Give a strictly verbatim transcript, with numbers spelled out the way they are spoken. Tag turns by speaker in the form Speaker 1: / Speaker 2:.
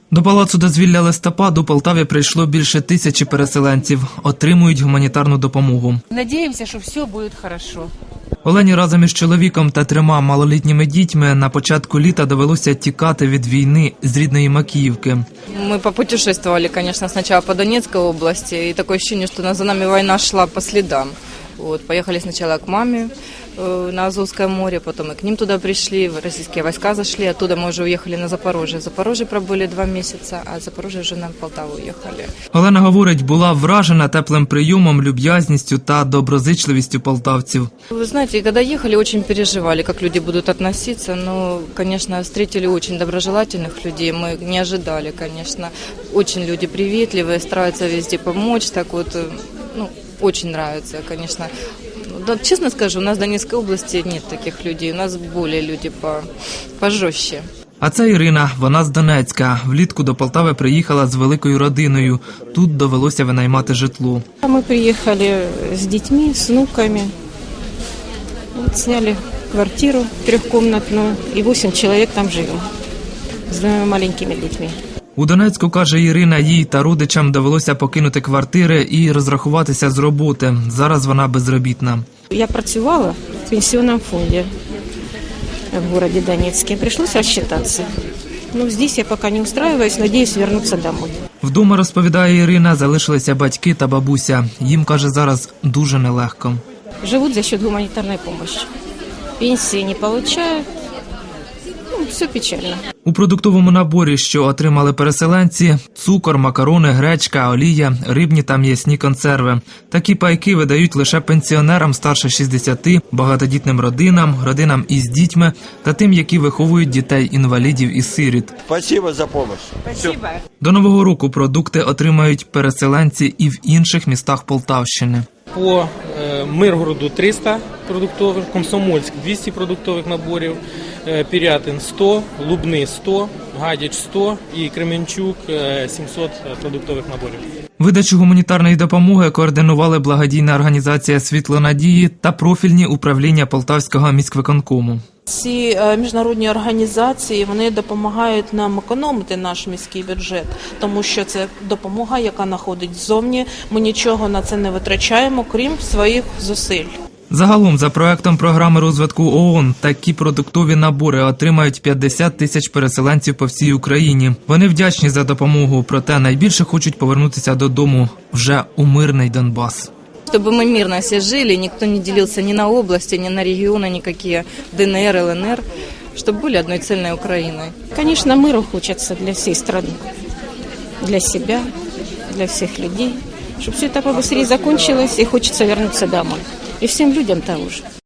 Speaker 1: До Палацу дозвілля листопад у Полтаві прийшло більше тисячі переселенців. Отримують гуманітарну допомогу.
Speaker 2: Надіємося, що все буде добре.
Speaker 1: Олені разом із чоловіком та трьома малолітніми дітьми на початку літа довелося тікати від війни з рідної Макіївки.
Speaker 3: Ми попутешествовали, звісно, спочатку по Донецькій області, і таке відчуття, що за нами війна йшла по слідам. Вот, поехали сначала к маме э, на Азовское море, потом и к ним туда пришли, российские войска зашли, оттуда мы уже уехали на Запорожье. В Запорожье пробыли два месяца, а в Запорожье вже на Полтаву уехали.
Speaker 1: Олена говорить, була вражена теплим прийомом, люб'язністю та доброзичливістю полтавців.
Speaker 3: Вы знаете, когда ехали, очень переживали, как люди будут относиться, но, конечно, встретили очень доброжелательных людей, мы не ожидали, конечно. Очень люди приветливые, стараются везде помочь, так вот, ну, очень нравится, конечно. Да, честно скажу, у нас в Донецкой области нет таких людей, у нас более люди по, пожестче.
Speaker 1: А це Ірина, вона з Донецька. Влітку до Полтави приїхала з великою родиною. Тут довелося винаймати житло.
Speaker 4: Мы приехали с детьми, с внуками. Вот сняли квартиру трехкомнатную, и восемь человек там живем, с двумя маленькими детьми.
Speaker 1: У Донецьку, каже Ірина, їй та родичам довелося покинути квартири і розрахуватися з роботи. Зараз вона безробітна.
Speaker 4: Я працювала в пенсионном фонде в городе Донецке. Пришлось рассчитаться. Но здесь я пока не устраиваюсь, надеюсь вернуться домой.
Speaker 1: Вдома, розповідає Ірина, залишилися батьки та бабуся. Їм, каже, зараз дуже нелегко.
Speaker 4: Живут за счет гуманитарной помощи. Пенсии не получают. Ну, все печально.
Speaker 1: У продуктовому наборі, що отримали переселенці – цукор, макарони, гречка, олія, рибні та м'ясні консерви. Такі пайки видають лише пенсіонерам старше шістдесяти, багатодітним родинам, родинам із дітьми та тим, які виховують дітей-інвалідів і сиріт.
Speaker 5: Спасибо за допомогу.
Speaker 2: Спасибо.
Speaker 1: До Нового року продукти отримають переселенці і в інших містах Полтавщини.
Speaker 6: По е, Миргороду триста продуктових, Комсомольськ двісті продуктових наборів, е, Пірятин сто, Лубни сто, Гадяч сто і Кременчук е, сімсот продуктових наборів.
Speaker 1: Видачу гуманітарної допомоги координували благодійна організація «Світло надії» та профільні управління Полтавського міськвиконкому.
Speaker 7: Ці міжнародні організації, вони допомагають нам економити наш міський бюджет, тому що це допомога, яка надходить ззовні. Ми нічого на це не витрачаємо, крім своїх зусиль.
Speaker 1: Загалом, за проектом програми розвитку ООН, такі продуктові набори отримають п'ятдесят тисяч переселенців по всій Україні. Вони вдячні за допомогу, проте найбільше хочуть повернутися додому вже у мирний Донбас.
Speaker 3: Чтобы мы мирно все жили, никто не делился ни на области, ни на регионы, никакие ДНР, ЛНР, чтобы были одной цельной Украиной.
Speaker 4: Конечно, миру хочется для всей страны, для себя, для всех людей, чтобы все это побыстрее закончилось и хочется вернуться домой. И всем людям того же.